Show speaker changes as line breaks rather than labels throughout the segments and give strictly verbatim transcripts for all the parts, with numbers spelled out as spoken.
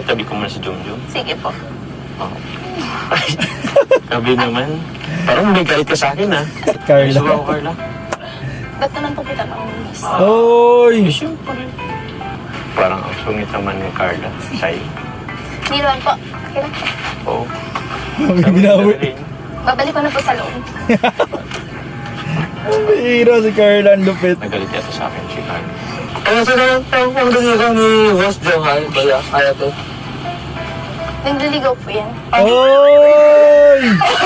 Tabi ko muna si Jomjom.
Sige po.
Oh. Sabi naman, parang may galit ka sa akin ha.
Carla.
Gusto ako, Carla.
Ba't naman po kita pangulis?
Oy!
Eh, siyempre. Parang ang sungit naman ni Carla. Say.
Hindi naman po. Okay lang po.
Oo.
Mami,
Sabi
binawi.
ko rin.
Babalik ko na po sa loob.
Hero si Carla, ang lupit.
Nagalit yata sa akin si Carla. Ano sa naman tawag pang daligan ni Boss Johal? Kaya, kaya to.
Nagliligaw po yan.
Oy!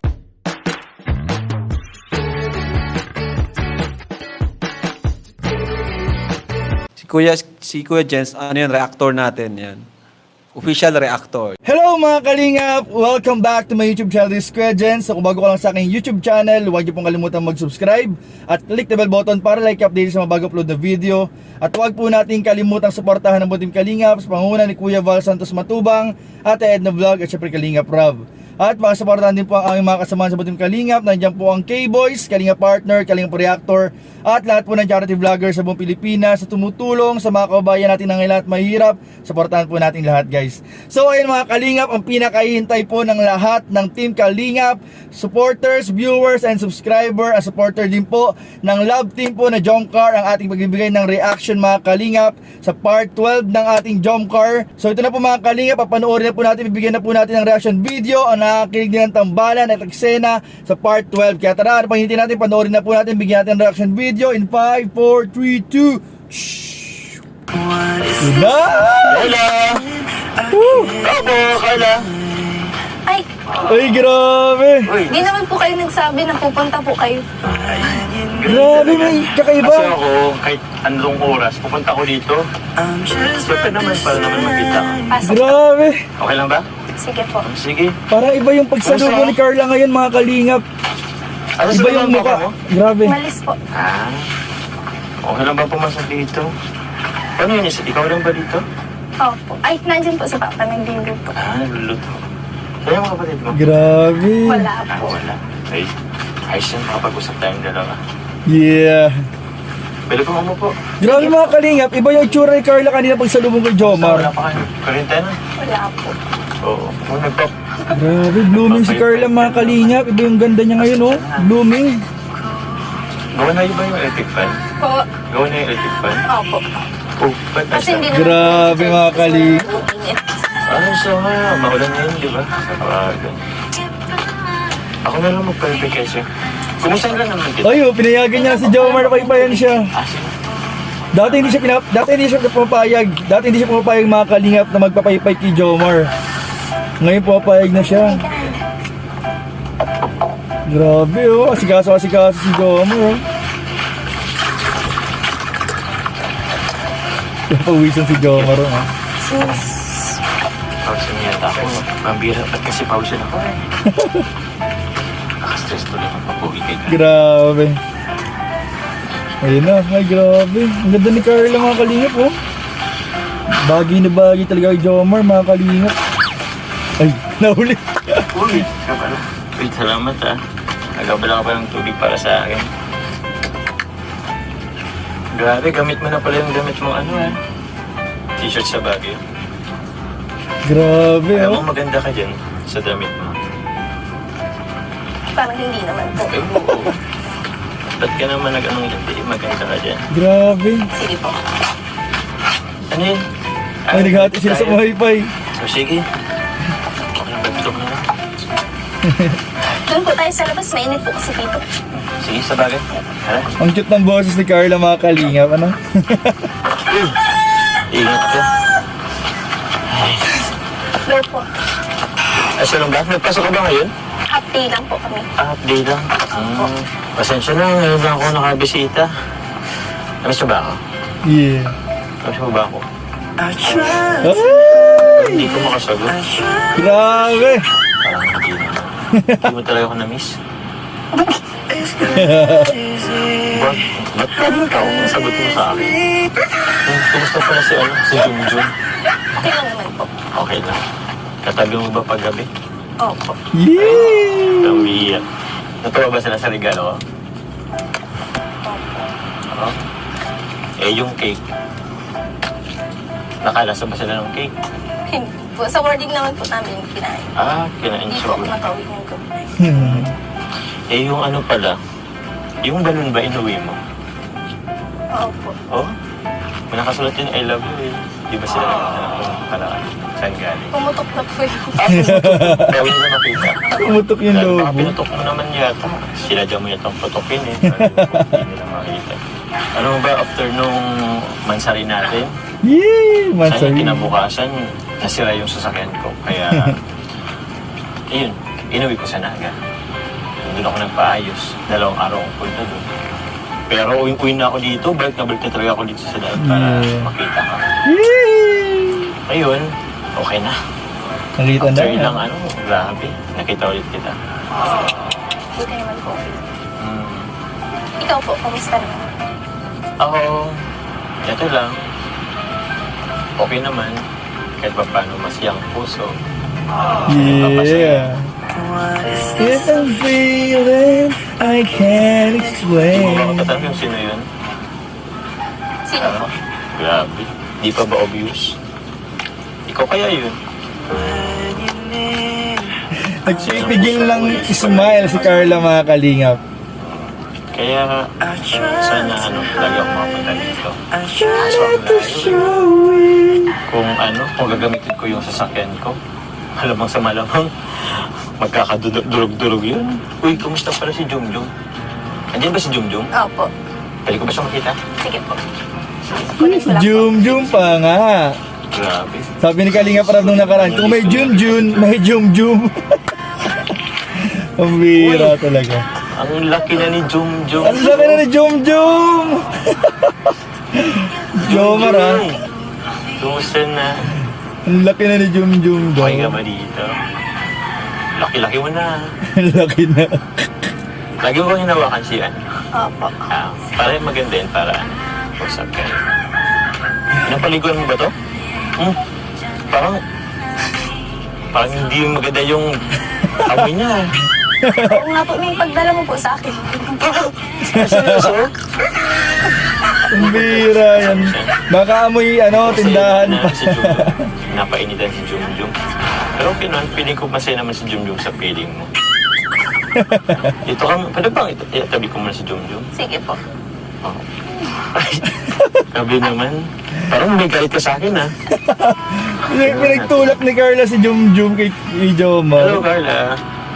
Si Kuya, si Kuya Jens, ano yun, reactor natin yan. Official reactor.
Hello mga kalingap! Welcome back to my YouTube channel, this is Kuya Jens. So, kung bago ka lang sa aking YouTube channel, huwag niyo pong kalimutan mag-subscribe at click the bell button para like update sa mga bago upload na video. At huwag po natin kalimutang suportahan ng Butim Kalingap sa pangunguna ni Kuya Val Santos Matubang, Ate Edna Vlog at syempre Kalingap Rob. At makasuportahan din po ang aming mga kasamahan sa Butim Kalingap. Nandiyan po ang K-Boys, Kalingap Partner, Kalingap Reactor, at lahat po ng charity vloggers sa buong Pilipinas sa tumutulong sa mga kababayan natin na ngayon at mahirap. Suportahan po natin lahat, guys. So ayun mga Kalingap, ang pinakahihintay po ng lahat ng Team Kalingap, supporters, viewers, and subscriber, at supporter din po ng love team po na Jomcar ang ating pagbibigay ng reaction mga Kalingap sa part twelve ng ating Jomcar. So ito na po mga Kalingap, papanoorin na po natin, bibigyan na po natin ng reaction video ang nakakilig din ng tambalan at eksena sa part twelve. Kaya tara, ano pang hinihintay natin, panoorin na po natin, bigyan natin ng reaction video in five, four, three, two. Shhh! Na!
Carla! Woo! Ako, Carla!
Ay,
Ay, grabe!
Uy!
di naman po kayo nagsabi na pupunta po kayo.
Grabe, may
Kasi
kakaiba.
ako, kahit anong oras, pupunta ko dito. Siyempre naman, para naman magkita ka.
Pasok.
Grabe!
Okay lang ba?
Sige po.
Sige.
Parang iba yung pagsalubo ni Carla ngayon mga Kalingap.
Ano
Iba yung mukha.
mo?
Grabe.
Malis po.
Ah, okay lang ba pumasok dito? Ano yun? Isa? Ikaw lang ba dito?
Opo. Ay, nandyan po si Papa, nagluluto.
Ah, naluluto. Kaya mga kapatid mo?
Grabe.
Wala
Ah,
po.
wala. Ay, ayos yan. Makapag-usap tayong dalawa.
Yeah.
Bili ko mo po.
Grabe mga Kalingap, iba yung itsura ni Carla kanina pagsalubong kay
Wala
Jomar.
pa kayo. Karintena?
Wala po.
Oo. Kung nagpap...
Grabe, blooming si Carla mga Kalingap. Iba yung ganda niya ngayon, oh. Blooming.
Gawa na yun ba yung electric fan?
Po.
Gawa na yung electric fan?
Opo.
Oh, ba't
Kasi hindi naman
Grabe,
po
mga kali-
mainit.
Ano siya nga? Maulan ngayon, di ba? Sa kawagan. Ako na lang mag-perfect kasi. Kumusta na naman kita?
Ay, oh, pinayagan niya si Jomar na paipayan siya.
Ah, sige.
Dati hindi siya pinap dati hindi siya pumapayag. Dati hindi siya pumapayag mga Kalingap na magpapaypay kay Jomar. Ngayon pumapayag na siya. Grabe, oh. Asikaso-asikaso si Jomar, oh. Napawisan si Jomar, oh.
Sus.
Pausin niya ako. Mambira. Ba't kasi pausin ako? Nakastress tuloy ang papuwi kay Carla.
Grabe. Ayun na, ay grabe. Ang ganda ni Carla mga Kalingap, oh. Bagay na bagay talaga kay Jomar mga Kalingap. Ay, nahuli.
Uy, kapalo. Wait, salamat ah. Nagabala ka pa ng tubig para sa akin. Grabe, gamit mo na pala yung gamit mo ano ah. T-shirt sa Baguio.
Grabe,
Kaya
oh.
mo maganda ka dyan sa damit mo.
Parang hindi naman po.
Eh, oo. Ba't ka naman nag-anong hindi? Maganda ka dyan.
Grabe.
Sige po.
Ano yun?
Ay, naghati sila sa wifi.
So, sige. Okay, bagtok na lang.
Doon po tayo sa labas. Mainit po kasi dito.
Sige, sa bagay. Hala.
Ang cute ng boses ni Carla mga Kalingap, ano?
Ingat ka.
Doon po.
Ay, so lang ba? Nagpasok ka ba ngayon?
Half day lang po kami.
Ah, update lang. Hmm. Pasensya na, ngayon lang ako nakabisita. Namiss mo ba ako?
Yeah.
Namiss mo ba ako?
Ay!
Hindi ko makasagot.
Grabe!
Parang hindi na. Hindi mo talaga ako namiss. Ba't? Ba't ganun ka kung sagot mo sa akin? Hmm, kumusta pala si, ano, si Junjun?
Okay lang naman po.
Okay lang. Katabi mo ba paggabi?
Opo.
Yeah!
Kamiyak. Natuwa ba sila sa regalo ko? Oo. Eh, yung cake. Nakalasa ba sila ng cake?
Hindi po. Sa boarding naman po namin kinain.
Ah, kinain
Hindi
siya.
po ako nakauwi ng gabi.
Hmm.
Eh, yung ano pala, yung balon ba inuwi mo?
Opo.
Oh? May nakasulat yun, I love you eh. Di ba sila nagtatanong ko ng paraan? Saan galing?
Pumutok na po yung...
Ah, pinutok. Kaya hindi na makita.
Umutok yung
Dahil
lobo.
baka pinutok mo naman yata. Sila dyan mo yatang putokin eh. Hindi nila makita. Ano ba, after nung mansari natin,
Yee!
saan
Mansari.
yung kinabukasan, nasira yung sasakyan ko. Kaya, ayun, inuwi ko sa Naga. Doon ako nagpaayos. Dalawang araw akong punta doon. Pero uwi-uwi na ako dito, balik na balik na talaga ako dito sa daan para
Yeah.
makita ka.
Yee!
Ayun, okay na.
Nakita na.
After ilang ano, grabe, nakita ulit kita.
Buti naman po.
Hmm.
Ikaw po, kamusta naman?
Ako, ito lang. Okay naman. Kahit pa paano masiyang puso.
Yeah. If I'm feeling I can't
Hindi mo ba
explain.
matatanong yung sino yun?
Sino po?
Grabe. Di pa ba obvious? Ikaw kaya yun?
Nagpipigil lang smile si Carla mga kalingap.
Kaya, sana ano, lagi ako makapunta dito. Kaso ang layo. Kung ano, kung gagamitin ko yung sasakyan ko, malamang sa malamang, magkakadurog-durog yun. Uy, kumusta pala si Jumjum? Andiyan ba si Jumjum?
Opo.
Pwede ko ba siya makita?
Sige po. Kunin ko lang po.
Jum Jum pa nga.
Grabe.
Sabi ni Kalinga Prab nung nakaraan, kung may Jun Jun, may Jum Jum. Ang bira talaga.
Ang laki na ni Jumjum.
Ang laki na ni Jum Jum! Jomar ha.
Kumusta na?
Ang laki na ni Jum Jum daw.
Okay ka ba dito? Laki-laki mo na.
Ang laki na.
Lagi mo bang hinawakan siya?
Opo.
Ah, para yung maganda yun, para ano, usap kayo. Napaliguan mo ba to? Hmm? Parang, parang hindi maganda yung amoy niya.
Oo nga po, may pagdala mo po sa akin.
Seryoso?
Ang bira yan. Baka amoy ano, tindahan
Masaya
pa.
na si Jumjum. Napainitan si Jumjum. Pero okay naman, feeling ko masaya naman si Jumjum sa feeling mo. Ito ka, pwede bang ito, itabi ko muna si Jumjum?
Sige po.
Oh. Ay, sabi naman, parang may galit ka sa akin ha.
Pinagtulak ni Carla si Jum Jum kay, kay
Hello
Jomar.
Carla.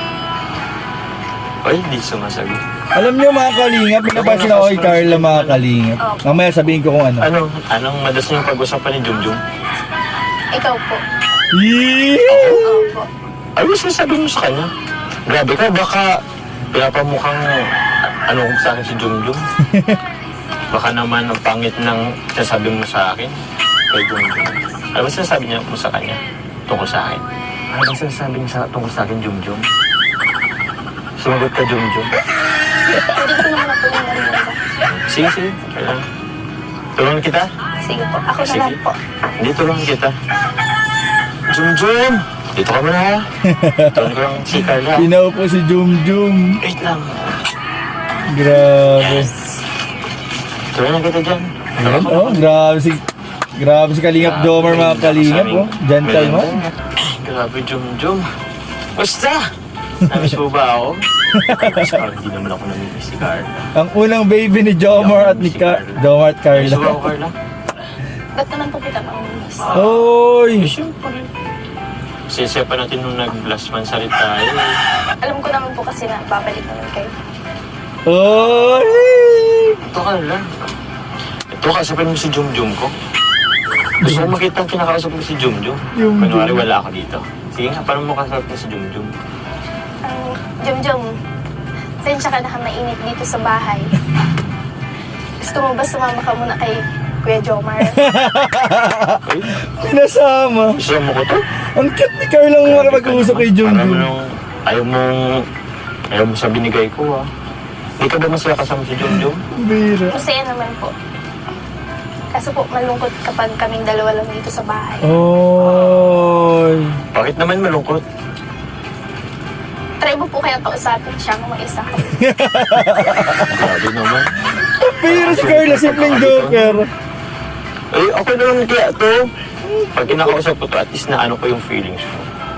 Ay, hindi sumasagot.
Alam niyo mga kalingap, pinapasin ako kay Carla mga kalingap. Mamaya sabihin ko kung ano.
Ano? Anong madalas niyong pag-usapan ni Jumjum?
Ikaw po.
Yee!
Opo.
Ano sinasabi mo sa kanya? Grabe ka, baka pinapamukhang ano kung sa akin si Jumjum. Baka naman ang pangit ng sinasabi mo sa akin kay Jumjum. Ano ba sinasabi niya mo sa kanya tungkol sa akin? Ano ba sinasabi niya sa, tungkol sa akin, Jumjum? Sumagot ka, Jumjum.
Hindi ko naman na po yung narinig.
Sige, sige. Kailan? Tulungan kita?
Sige po. Ako na
Sige.
lang po.
Hindi, tulungan kita. Jumjum! Dito ka muna ha. Tulungan ko lang si Carla.
Pinaupo si Jum Jum.
Wait lang.
Grabe.
Tulungan kita dyan.
Ayan, oh, grabe si Grabe si Kalingap Jomar mga kalingap, oh. Gentleman.
Grabe, Jumjum. Basta! Namiss mo ba ako? Parang hindi naman ako namimiss si Carla.
Ang unang baby ni Jomar at ni Ka Jomar at
Namiss mo ba ako,
Carla.
Carla?
Ba't naman po kita mamimiss?
Oy!
Eh, siyempre. Sisiya pa natin nung nag-last man salit tayo.
Alam ko naman po kasi na babalik naman kayo.
Oy!
Ito, Carla. Ito, kasapin mo si Jumjum ko. Gusto mo makita ang kinakausap mo si Jumjum?
Jumjum.
Kunwari wala ako dito. Sige nga, paano mo kasapin mo si Jumjum?
Ang Jom-Jom, sensya ka na ka mainit dito sa bahay. Gusto mo ba sumama ka muna kay Kuya Jomar?
Ay,
Nasama.
gusto mo ko to?
Ang cute ni Carla ang makapag-usap kay Jum
Parang
Jum.
nung ayaw mong, ayaw mo sa binigay ko ah. Hindi ka ba masaya kasama si Jumjum?
Bira.
Masaya naman po. Kaso po, malungkot kapag kaming dalawa lang dito sa bahay.
Oy!
Bakit naman malungkot?
Try mo po kaya kausapin siya kung mag-isa ka.
Grabe naman.
Pero si Carla, simpleng joker.
Eh, okay naman kaya to. Pag kinakausap ko to, at least na ano ko yung feelings ko.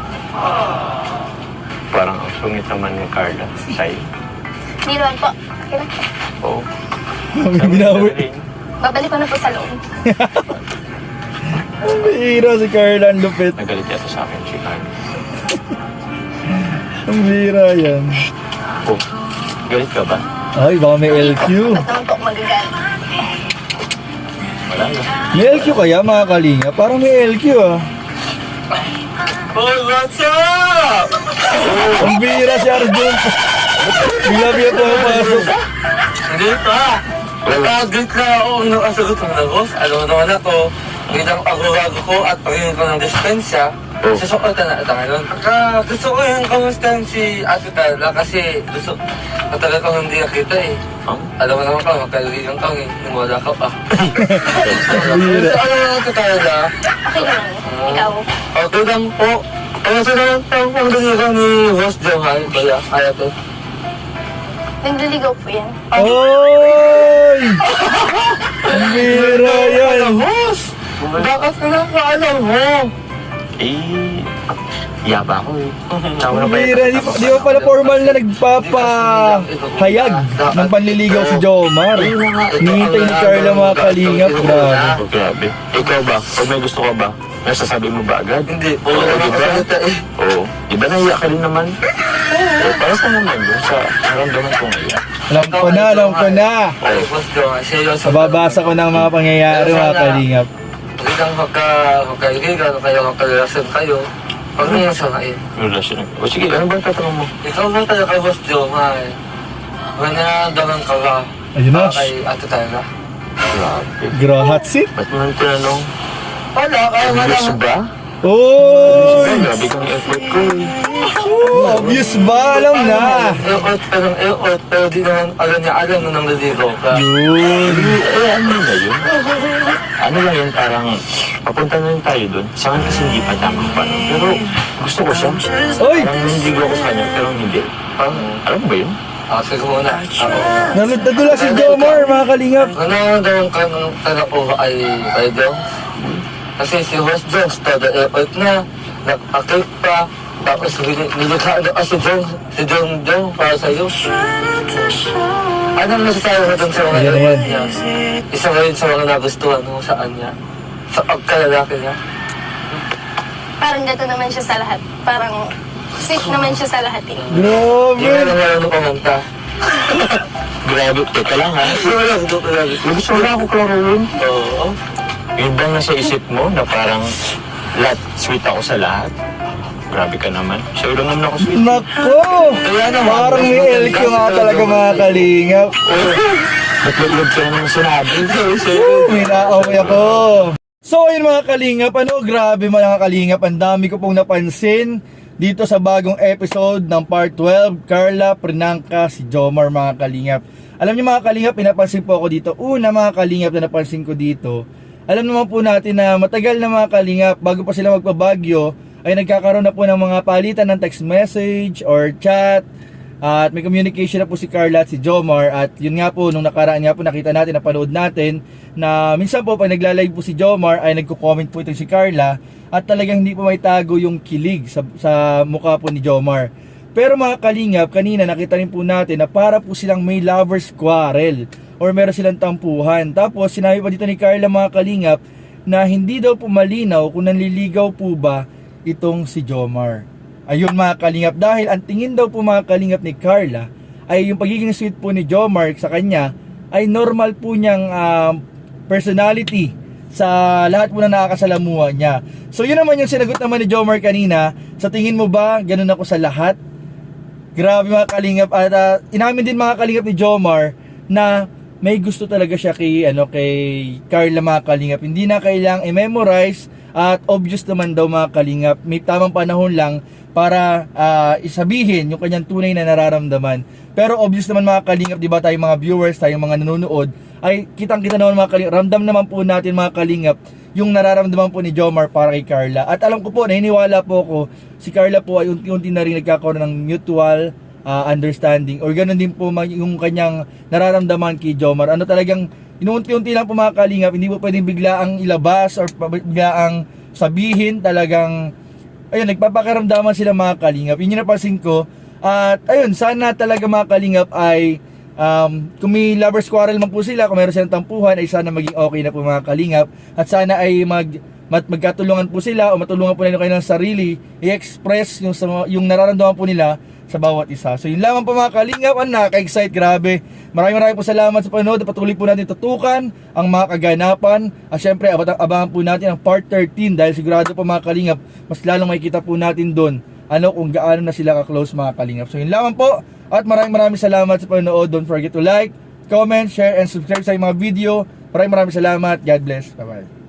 Parang ang sungit naman ni Carla sa'yo.
Hindi naman po. Okay lang.
Oo.
May binawi.
Babalik ko na po sa loob.
Ang bihira si Carla, ang lupit.
Nagalit yata sa akin si Carla.
Ang bihira yan.
Oh, galit ka ba?
Ay, baka may L Q.
Ba't naman po ako magagalit?
Wala na.
May L Q kaya mga kalinga? Parang may L Q ah.
Oh, what's up?
Ang bihira si Arjun. Bila-bila po ang pasok.
Hindi pa. Nag-greet na ako nung kasagot ng nagos. Alam mo naman ako, ang ilang pagbabago ko at pagiging ko ng dispensya, susukotan na ito ngayon. Pagka gusto ko yung kamustahan si Ate Carla kasi gusto, matagal ko hindi nakita eh.
Huh?
Alam mo naman pa, magkalilang kang eh, nung wala ka pa. Gusto alam mo Ate Carla,
Okay lang. Ikaw.
okay lang po. Kaya sa naman po ang daligan ni Boss Johan, kaya kaya to.
Nagliligaw po yan.
Oy! Ang bihira yan.
Boss! Bakit ka lang pa alam mo?
Eh, yaba ako eh. Tsaka
Ang
na ba
bihira. Di, pa- di ba pala formal na nagpapahayag ng panliligaw si Jomar? Hinihintay ni Carla mga kalingap. Grabe.
Oh, grabe. Ikaw ba? Pag may gusto ka ba? Nasasabi mo ba agad?
Hindi, puro
Oo,
na
di ba?
nakasalita eh.
Oo. Di ba nahiya ka rin naman? Eh, para sa naman yun sa naramdaman ko ngayon.
Alam ko na, alam ko na.
Ay, Boss Johan, seryoso.
Nababasa ko ng mga pangyayari mga kalingap.
Magandang magka, magkaibigan, kayo magkarelasyon kayo. Huwag mo yung sangayin.
Relasyon. O sige, ano ba ang tatanong mo?
Ikaw ba talaga kay Boss Johan? May nararamdaman ka ba?
Ayun na.
ah, Kay Ate Tyra?
Grabe.
Grahat sit.
Ba't mo nang tinanong?
Wala, kaya nga
Obvious
lang.
ba?
Oy!
Grabe kang effort ko eh.
Obvious ba? Alam na.
Eot, pero eot, pero di naman alam niya alam na nang naliligaw ka.
Yun.
Eh, ano na yun? Ano lang yun, parang papunta na rin tayo dun. Sa akin kasi hindi pa tamang paano. Pero gusto ko siya.
Oy!
Parang nandigo ako sa kanya, pero hindi. Parang, alam mo ba yun?
Ah, sige muna. Ako.
Nalutadula si Jomar mga kalingap.
Ano nararamdaman ka nung tanong ko ay kay Jones? Kasi si Boss Jones, todo eot na, nag-akit pa, tapos nil- nilikha na si John, si John John para sa'yo. Anong masasabi mo dun sa mga
Ayan,
eot
ayan.
niya? Isa ngayon sa mga nagustuhan mo sa kanya, sa pagkalalaki niya.
Parang gato naman siya sa lahat. Parang sweet naman siya sa lahat eh.
Hindi
Grabe.
na lang marunong kumanta.
Grabe, teka lang ha.
Wala, gusto ko lang.
Gusto mo na ako klaruhin.
Oo.
Yun bang nasa isip mo na parang lahat, sweet ako sa lahat? Grabe ka naman. Siya lang naman ako sweet.
Nako! Parang may L Q nga talaga mga kalingap.
Ba't mag-love ka naman sinabi?
May naaway ako. So ayun mga kalingap, ano, grabe mga kalingap, ang dami ko pong napansin dito sa bagong episode ng part twelve, Carla, Prinangka, si Jomar mga kalingap. Alam niyo mga kalingap, pinapansin po ako dito. Una mga kalingap na napansin ko dito, alam naman po natin na matagal na mga kalingap, bago pa sila magpabagyo, ay nagkakaroon na po ng mga palitan ng text message or chat. At may communication na po si Carla at si Jomar. At yun nga po, nung nakaraan nga po nakita natin, napanood natin na minsan po pag nagla-live po si Jomar ay nagko-comment po ito si Carla. At talagang hindi po may tago yung kilig sa, sa mukha po ni Jomar. Pero mga kalingap, kanina nakita rin po natin na para po silang may lovers quarrel or meron silang tampuhan. Tapos sinabi pa dito ni Carla mga kalingap na hindi daw po malinaw kung nanliligaw po ba itong si Jomar. Ayun mga kalingap, dahil ang tingin daw po mga kalingap ni Carla ay yung pagiging sweet po ni Jomar sa kanya ay normal po niyang um, personality sa lahat po na nakakasalamuha niya. So yun naman yung sinagot naman ni Jomar kanina. Sa tingin mo ba ganun ako sa lahat? Grabe mga kalingap. At uh, inamin din mga kalingap ni Jomar na may gusto talaga siya kay, ano, kay Carla mga kalingap. Hindi na kailangang i-memorize at obvious naman daw mga kalingap. May tamang panahon lang para uh, isabihin yung kanyang tunay na nararamdaman. Pero obvious naman mga kalingap, di ba tayong mga viewers, tayong mga nanonood, ay kitang-kita naman mga kalingap, ramdam naman po natin mga kalingap yung nararamdaman po ni Jomar para kay Carla. At alam ko po, naniniwala po ako, si Carla po ay unti-unti na rin nagkakaroon ng mutual uh, understanding or ganun din po yung kanyang nararamdaman kay Jomar. Ano talagang inuunti-unti lang po mga kalingap, hindi po pwedeng biglaang ilabas or biglaang sabihin, talagang ayun, nagpapakiramdaman sila mga kalingap. Yun yung napansin ko. At ayun, sana talaga mga kalingap ay um, kung may lovers quarrel man po sila, kung meron silang tampuhan, ay sana maging okay na po mga kalingap. At sana ay mag, mag magkatulungan po sila o matulungan po nila kayo ng sarili, i-express yung, yung nararamdaman po nila sa bawat isa. So yun lamang po mga kalingap, ang nakaka-excite, grabe. Maraming maraming po salamat sa panonood. Patuloy po natin tutukan ang mga kaganapan. At syempre, abang, abangan po natin ang part thirteen dahil sigurado po mga kalingap, mas lalong makikita po natin doon ano kung gaano na sila ka-close mga kalingap. So yun lamang po. At maraming maraming salamat sa panonood. Don't forget to like, comment, share, and subscribe sa mga video. Maraming maraming salamat. God bless. Bye-bye.